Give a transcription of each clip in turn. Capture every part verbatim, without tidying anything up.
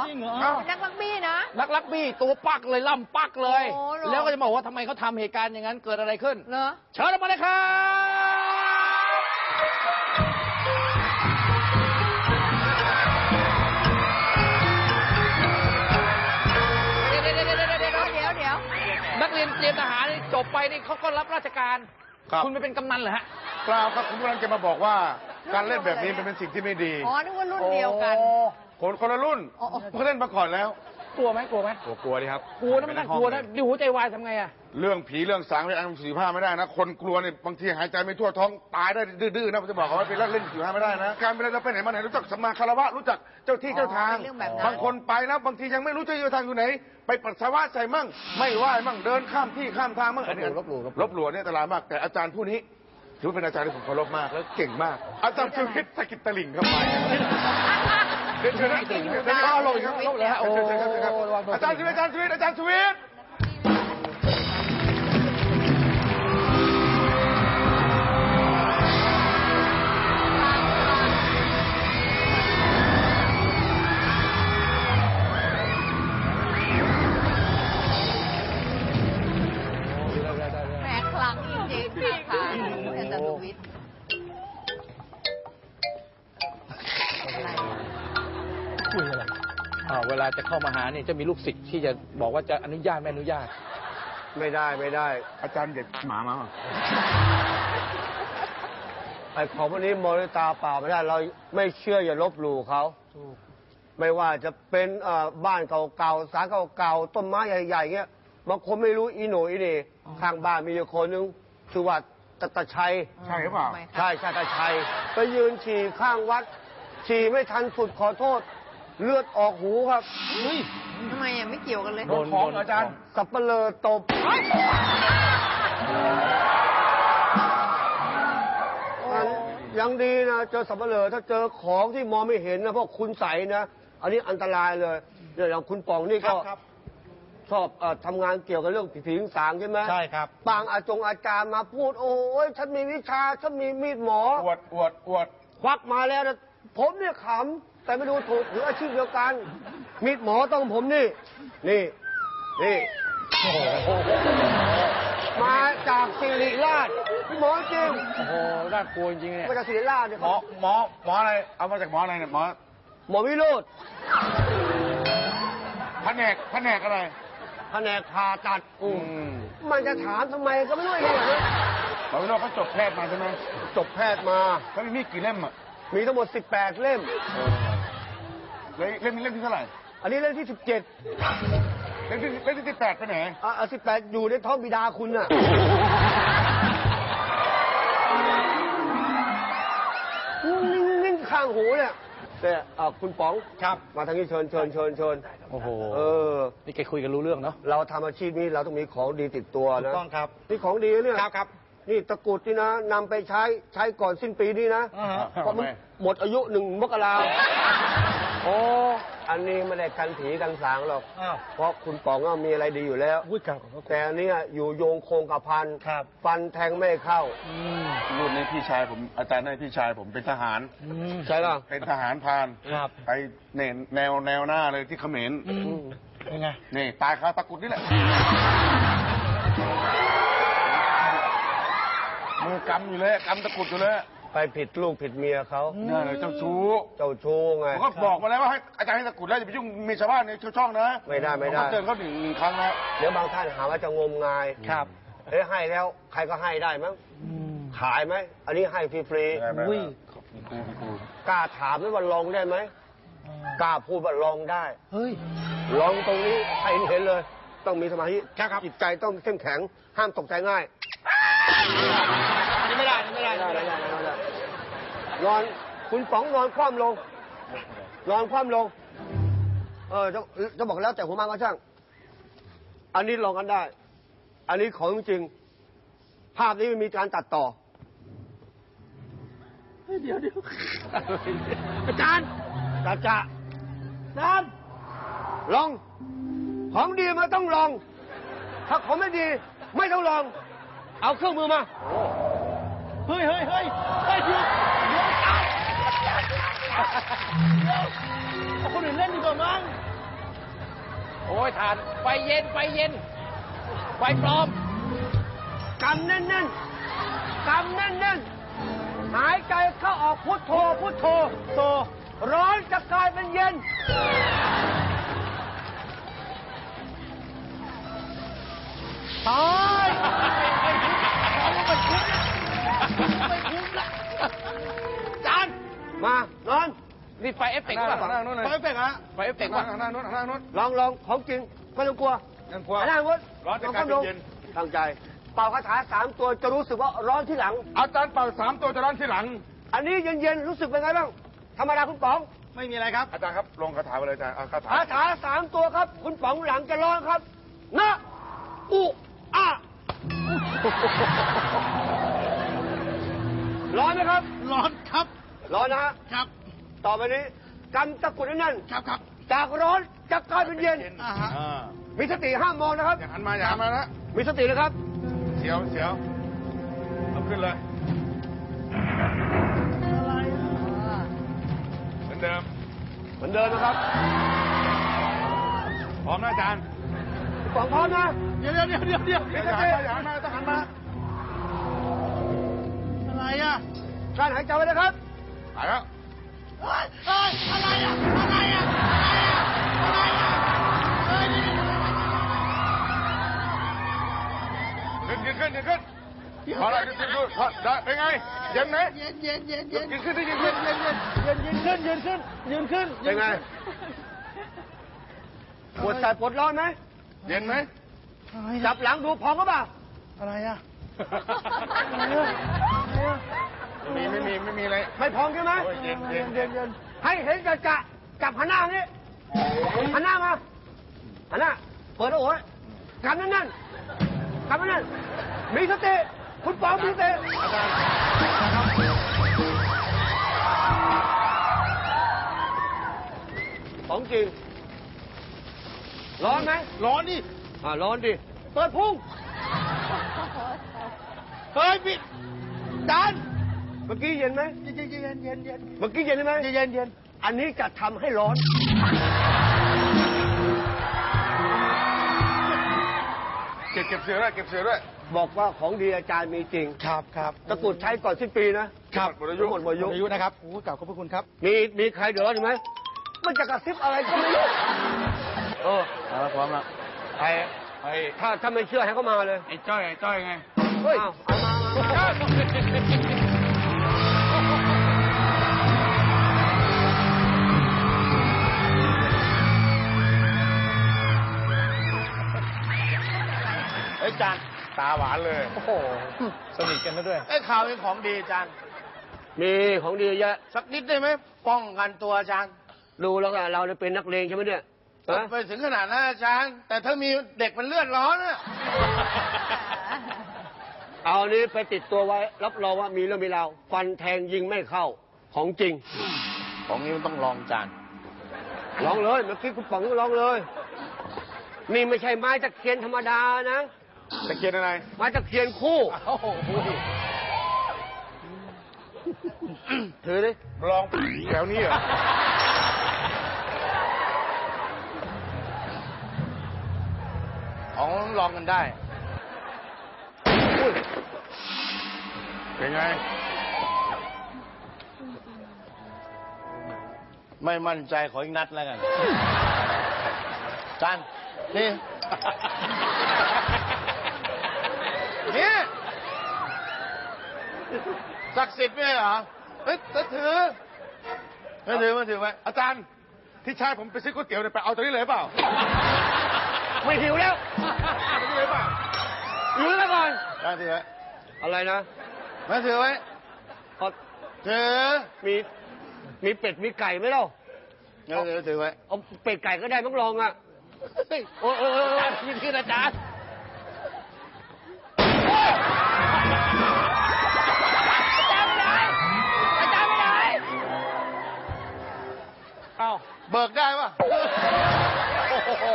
จริงเหรอนักลักบี้นะนักลักบี้ตัวปักเลยล่ำปักเลยแล้วก็จะบอกว่าทำไมเขาทำเหตุการณ์อย่างนั้นเกิดอะไรขึ้นเหรอเชิญมาเลยครับนักเรียนเตรียมทหารจบไปนี่เขาก็รับราชการคุณไม่เป็นกำนันเหรอฮะเปล่าครับผมกำลังจะมาบอกว่าการเล่นแบบนี้เป็นสิ่งที่ไม่ดีอ๋อนึกว่ารุ่นเดียวกันคนคนละรุ่นเขาเล่นมาก่อนแล้วกลัวไหมกลัวไหมกลัวกลัวดิครับกลัวนะไม่น่ากลัวนะดิหัวใจวายทำไงอะเรื่องผีเรื่องสางเรื่องอันสี่ห้าไม่ได้นะคนกลัวเนี่ยบางทีหายใจไม่ทั่วท้องตายได้ดื้อๆนะผมจะบอกเขาว่าเป็นเล่นสี่ห้าไม่ได้นะการไปเล่นเราไปไหนมาไหนรู้จักสัมมาคารวะรู้จักเจ้าที่เจ้าทางบางคนไปนะบางทียังไม่รู้เจ้าที่เจ้าทางอยู่ไหนไปปัสสาวะใส่มั่งไม่ไหวมั่งเดินข้ามที่ข้ามทางมั่งอันนี้ลบหลู่ลบหลู่เนี่ยอันตรายมากแต่อาจารย์ผู้นี้ถือเป็นอาจารย์ที่ผมเคารพมากแล้วเก่งมากอาจารย์ชูวิทย์สกิดตลิ่งเข้าไปเดินเชิญนะเดินเชิญนะลงครับลงเลยฮะโอ้อาจารย์ชูวิทย์อาจารย์ชูวิทย์อาจารย์ชูวิทย์แหมครั้งจริงๆค่ะอาจารย์ชูวิทย์คุยอะไรเวลาจะเข้ามาหาเนี่ยจะมีลูกศิษย์ที่จะบอกว่าจะอนุญาตไม่อนุญาตไม่ได้ไม่ได้อาจารย์เด็กหมามาไอ้ของพวกนี้มองด้วยตาเปล่าไม่ได้เราไม่เชื่ออย่าลบหลู่เขาไม่ว่าจะเป็นบ้านเก่าๆศาลเก่าๆต้นไม้ใหญ่ๆเงี้ยบางคนไม่รู้อีโหน่อีนี่ข้างบ้านมีอยู่คนนึงชื่อว่าตาตาชัยใช่หรือเปล่าใช่ใช่ตาชัยไปยืนฉี่ข้างวัดฉี่ไม่ทันสุดขอโทษเลือดออกหูครับทำไมอ่ะไม่เกี่ยวกันเลยโดนของอาจารย์สับเปลือตบยังดีนะเจอสับเปลือถ้าเจอของที่มองไม่เห็นนะพวกคุณใสนะอันนี้อันตรายเลยอย่างคุณปองนี่ก็ชอบทำงานเกี่ยวกับเรื่องผีสางใช่ไหมใช่ครับบางอาจงอาจารย์มาพูดโอ้ยฉันมีวิชาฉันมีมีดหมออวดอวดอวดควักมาแล้วนะผมเนี่ยขำแต่ไม่ดูถูกหรืออาชีพเดียวกันมีดหมอต้องผมนี่นี่นี่มาจากศิริราชหมอจริงโอ้โหน่ากลัวจริงเนี่ยมาจากศิริราชเนี่ยหมอหมอหมออะไรเอามาจากหมออะไรเนี่ยหมอหมอวิโรจน์แผนกแผนกอะไรแผนกผ่าตัดอืมมันจะถามทำไมก็ไม่รู้เลยนะหมอวิโรจน์เขาจบแพทย์มาใช่ไหมจบแพทย์มาเขามีมีดกี่เล่มอ่ะมีทั้งหมดสิบแปดเล่มเล่มนี้เล่มที่เท่าไหร่อันนี้เล่มที่สิบเจ็ดเล่มที่เล่มที่สิบแปดไปไหนอ่าสิบแปดอยู่ในท้องบิดาคุณน่ะนิ่งๆข้างหูเนี่ยแต่คุณป๋องครับมาทางนี้เชิญเชิญเชิญเชิญโอ้โหเออนี่แกคุยกันรู้เรื่องเนาะเราทำอาชีพนี้เราต้องมีของดีติดตัวนะถูกต้องครับนี่ของดีเนี่ยครับครับนี่ตะกุดนี่นะนำไปใช้ใช้ก่อนสิ้นปีนี้นะเพราะมันหมดอายุหนึ่งมกราโอ้อันนี้ไม่ได้กันผีกันสางหรอกเพราะคุณป๋องมีอะไรดีอยู่แล้วแต่เนี้ยอยู่โยงโคงกับพันฟันแทงไม่เข้ารุ่นนี้พี่ชายผมอาจารย์นี่พี่ชายผมเป็นทหารใช่หรอเป็นทหารพรานไปเน่แนวแนวหน้าเลยที่เขมรยังไงนี่ตายคาตะกุดนี่แหละมือกำอยู่เลยกำตะกุดอยู่เลยไปผิดลูกผิดเมียเขาเนี่ยเลยเจ้าชู้เจ้าชู้ไงผมก็บอกมาแล้วว่าให้อาจารย์ให้ตะกุดแล้วอย่าไปยุ่งมีชาวบ้านในช่องนะไม่ได้ไม่ได้เตือนเขาหนึ่งครั้งแล้วเดี๋ยวบางท่านหาว่าจะงมงายครับเอ้ให้แล้วใครก็ให้ได้มั้งขายไหมอันนี้ให้ฟรีๆกล้าถามไหมว่าลองได้ไหมกล้าพูดว่าลองได้เฮ้ยลองตรงนี้ใครเห็นเลยต้องมีสมาธิจิตใจต้องเข้มแข็งห้ามตกใจง่ายนี่ไม่ได้นี่ไม่ได้ไม่ได้ไม่ได้นอนคุณป๋องนอนคว่ำลงนอนคว่ำลงเออจะจะบอกแล้วแต่หัวมันก็ช่างอันนี้ลองกันได้อันนี้ของจริงภาพนี้ไม่มีการตัดต่อเดี๋ยวเดี๋ยวอาจารย์จ่าจ่าสามลองของดีมาต้องลองถ้าของไม่ดีไม่ต้องลองเอาเครื่องมือมาเฮ้ยเฮ้ยเฮ้ยเฮ้ยเดี๋ยวเดี๋ยวเอาคนอื่นเล่นดีกว่ามั้งโอ้ยทานไฟเย็นไฟเย็นไฟปลอมกำแน่นๆกำแน่นๆหายใจเข้าออกพุทโธพุทโธโตร้อนจะกลายเป็นเย็นตายจานมานอนนี่ไฟเอฟเฟกต์ป่ะนั่งนู้นเลยไฟเอฟเฟกต์ฮะไฟเอฟเฟกต์ป่ะนั่งนู้นนั่งนู้นลองลองของจริงไม่ต้องกลัวนั่งกลัวนั่งวุ้นร้อนจะกลายเป็นเย็นตั้งใจ เป่าคาถาสามตัวจะรู้สึกว่าร้อนที่หลังอาจารย์เป่าสามตัวจะร้อนที่หลังอันนี้เย็นๆรู้สึกเป็นไงบ้างธรรมดาคุณป๋องไม่มีอะไรครับอาจารย์ครับลงคาถาไปเลยอาจารย์เอาคาถาคาถาสามตัวครับ คุณป๋องหลังจะร้อนครับนะอุอะร้อนไหมครับร้อนครับร้อนนะฮะครับต่อไปนี้กำตะกรุดให้แนั่นครับครับจากร้อนจะกลายเป็นเย็นอ่าฮะอ่ามีสติห้ามมองนะครับอย่าหันมาอย่าหันมานะมีสตินะครับเสียวเสียวเอาขึ้นเลยเหมือนเดิมเหมือนเดิมนะครับพร้อมนะอาจารย์คุณป๋องพร้อมนะเดี๋ยวเดี๋ยวเดี๋ยวเดี๋ยวเดี๋ยวอย่าหันมาอย่าหันมาต้องหันมาอะไรอ่ะการหายใจไว้นะครับหายแล้วเฮ้ยเฮ้ยอะไรอ่ะอะไรอ่ะอะไรอ่ะเฮ้ยขึ้นขึ้นขึ้นขึ้นพอแล้วขึ้นขึ้นพอได้เป็นไงเย็นไหมเย็นเย็นเย็นเย็นยืนขึ้นที่ยืนขึ้นเย็นเย็นเย็นยืนขึ้นยืนขึ้นยืนขึ้นเป็นไงปวดใจปวดร้อนไหมเย็นไหมจับหลังดูพองก็เปล่าอะไรอ่ะไม่มีไม่มีไม่มีอะไรไม่พองใช่ไหมโอ้ยเย็นเย็นเย็นเย็นให้เห็นจะจะจับหันหน้านี้หันหน้ามาหันหน้าเปิดโอ้ยกำนั่นนั่นกำนั่นนั่นมีสติคุณป๋องมีสติอาจารย์ของจริงร้อนไหมร้อนดิอ่าร้อนดิเปิดพุ่งเฮ้ยปิดจานเมื่อกี้เย็นไหมเย็นเย็นเย็นเย็นเย็นเมื่อกี้เย็นไหมเย็นเย็นเย็นอันนี้จะทำให้ร้อนเก็บเก็บเสือด้วยเก็บเสือด้วยบอกว่าของดีอาจารย์มีจริงครับครับตะกรุดใช้ก่อนสิ้นปีนะครับหมดอายุหมดอายุอายุนะครับโอ้กล่าวขอบพระคุณครับมีมีใครเดือดร้อนอยู่ไหมมันจะกระซิบอะไรก็ไม่รู้เออเอาละพร้อมละไอ้ไอ้ถ้าถ้าไม่เชื่อให้เขามาเลยไอ้จ้อยไอ้จ้อยไงเฮ้ยเอามามามาไอ้จานตาหวานเลยโอ้โหสนิทกันนะด้วยไอ้ข่าวเป็นของดีอาจารย์มีของดีเยอะสักนิดได้ไหมป้องกันตัวอาจารย์ดูแล้วก็เราเนี่ยเป็นนักเลงใช่ไหมเนี่ยฮะไปถึงขนาดนั้นอาจารย์ แต่ถ้ามีเด็กมันเลือดร้อนอะเอาอันนี้ไปติดตัวไว้ รับรองว่ามีเรื่องมีราวฟันแทงยิงไม่เข้าของจริงของนี้มันต้องลองอาจารย์ลองเลยเมื่อกี้คุณป๋องลองเลย นี่ไม่ใช่ไม้ตะเคียนธรรมดานะตะเกียนอะไรไม้ตะเคียนคู่โอ้โหถือดิลองแถวนี้เหรอของลองกันได้อุ้ยเป็นไงไม่มั่นใจขออีกนัดแล้วกันอาจารย์นี่ นี่ศักดิ์สิทธิ์ไม่ใช่เหรอเฮ้ยถือไม่ถือไม่ถือไว้อาจารย์ที่ชายผมไปซื้อก๋วยเตี๋ยวเนี่ยไปเอาตัวนี้เลยเปล่าไม่หิวแล้วตัวนี้เลยเปล่าหรือแล้วก่อนอาจารย์ถือไว้อะไรนะไม่ถือไว้เอาถือมีมีเป็ดมีไก่ไหมเล่าเดี๋ยวถือถือไว้เอาเป็ดไก่ก็ได้ต้องลองอ่ะเฮ้ยโอ้โอ้โอ้ยินขึ้นอาจารย์อาจารย์ไปไหนอาจารย์ไปไหนเอ้าเบิกได้ปะโอ้โห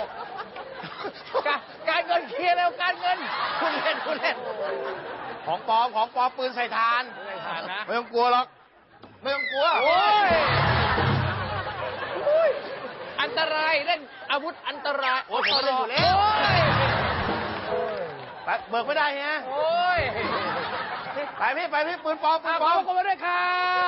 การการเงินเคลียร์แล้วการเงินคุณเล่นคุณเล่นของปลอมของปลอมปืนใส่ทานไม่ทานนะไม่ต้องกลัวหรอกไม่ต้องกลัวโอ้ยอันตรายเล่นอาอาวุธอันตรายโอ้ยผมเล่นอยู่แล้ว ไปเบิกไม่ได้ฮะโอ้ยไปพี่ไปพี่ปืนปลอมปืขนอบปลอมคุณมาด้วยครับ